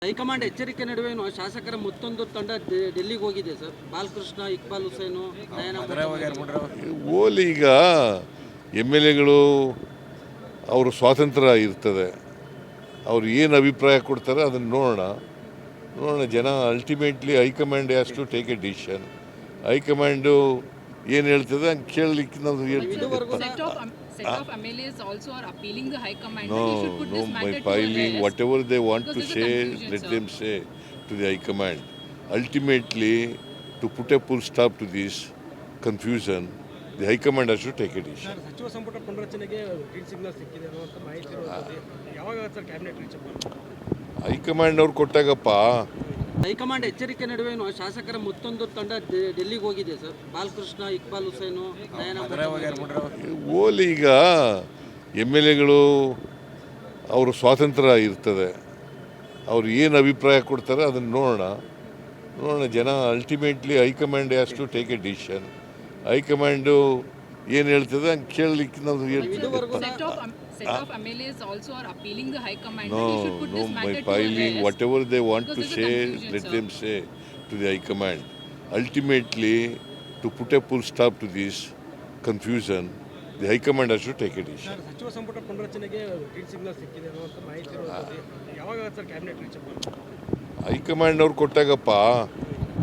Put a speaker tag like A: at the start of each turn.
A: High command ಎಚ್ಚರಿಕೆ ನಡುವೆನೂ ಶಾಸಕರ ಮತ್ತೊಂದು ತಂಡ ಡೆಲ್ಲಿಗೆ ಹೋಗಿದೆ ಸರ್. ಬಾಲಕೃಷ್ಣ, ಇಕ್ಬಾಲ್ ಹುಸೇನು,
B: ಓಲಿ ಈಗ MLAಗಳು ಅವ್ರ ಸ್ವಾತಂತ್ರ್ಯ ಇರ್ತದೆ. ಅವ್ರು ಏನು ಅಭಿಪ್ರಾಯ ಕೊಡ್ತಾರೆ ಅದನ್ನು ನೋಡೋಣ ಜನ. Ultimately high command has to take a decision. High command ಏನು ಹೇಳ್ತದೆ ಹಂಗೆ ಕೇಳಲಿಕ್ಕೆ ನಾವು ಹೇಳ್ತೀವಿ.
C: Set of MLAs also are appealing the High Command.
B: No, my filing, whatever they want to say, let them say to the High Command. Ultimately, to put a full stop to this confusion, the High Command has to take a decision.
D: ಸಚಿವ ಸಂಪುಟ ಪುನರಚನೆಗೆ green signal ಸಿಕ್ಕಿದೆ ಅನ್ನುವಂಥ ಮಾಹಿತಿ ಇರುತ್ತದೆ. ಯಾವಾಗ sir cabinet reach ಆಗ್ಬೋದು?
B: High command ಅವ್ರು ಕೊಟ್ಟಾಗಪ್ಪ.
A: ಹೈಕಮಾಂಡ್ ಎಚ್ಚರಿಕೆ ನಡುವೆನೂ ಶಾಸಕರ ಮತ್ತೊಂದು ತಂಡ ಡೆಲ್ಲಿಗೆ ಹೋಗಿದೆ ಸರ್. ಬಾಲಕೃಷ್ಣ, ಇಕ್ಬಾಲ್ ಹುಸೇನು,
B: ಓಲಿ ಈಗ MLAಗಳು ಅವ್ರ ಸ್ವಾತಂತ್ರ್ಯ ಇರ್ತದೆ. ಅವ್ರು ಏನು ಅಭಿಪ್ರಾಯ ಕೊಡ್ತಾರೆ ಅದನ್ನು ನೋಡೋಣ ಜನ. Ultimately high command has to take a decision. High command ಏನು ಹೇಳ್ತದೆ ಹಂಗೆ ಕೇಳಲಿಕ್ಕೆ ನಾವು ಹೇಳ್ತೀವಿ.
C: Set of MLAs also are appealing the High Command.
B: No, my filing, whatever they want to say, let them say to the High Command. Ultimately, to put a full stop to this confusion, the High Command has to take a decision.
D: ಸಚಿವ ಸಂಪುಟ ಪುನರಚನೆಗೆ green signal ಸಿಕ್ಕಿದೆ ಅನ್ನುವಂಥ ಮಾಹಿತಿ ಇರುತ್ತದೆ. ಯಾವಾಗ sir cabinet reach ಆಗ್ಬೋದು?
B: High command ಅವ್ರು ಕೊಟ್ಟಾಗಪ್ಪ.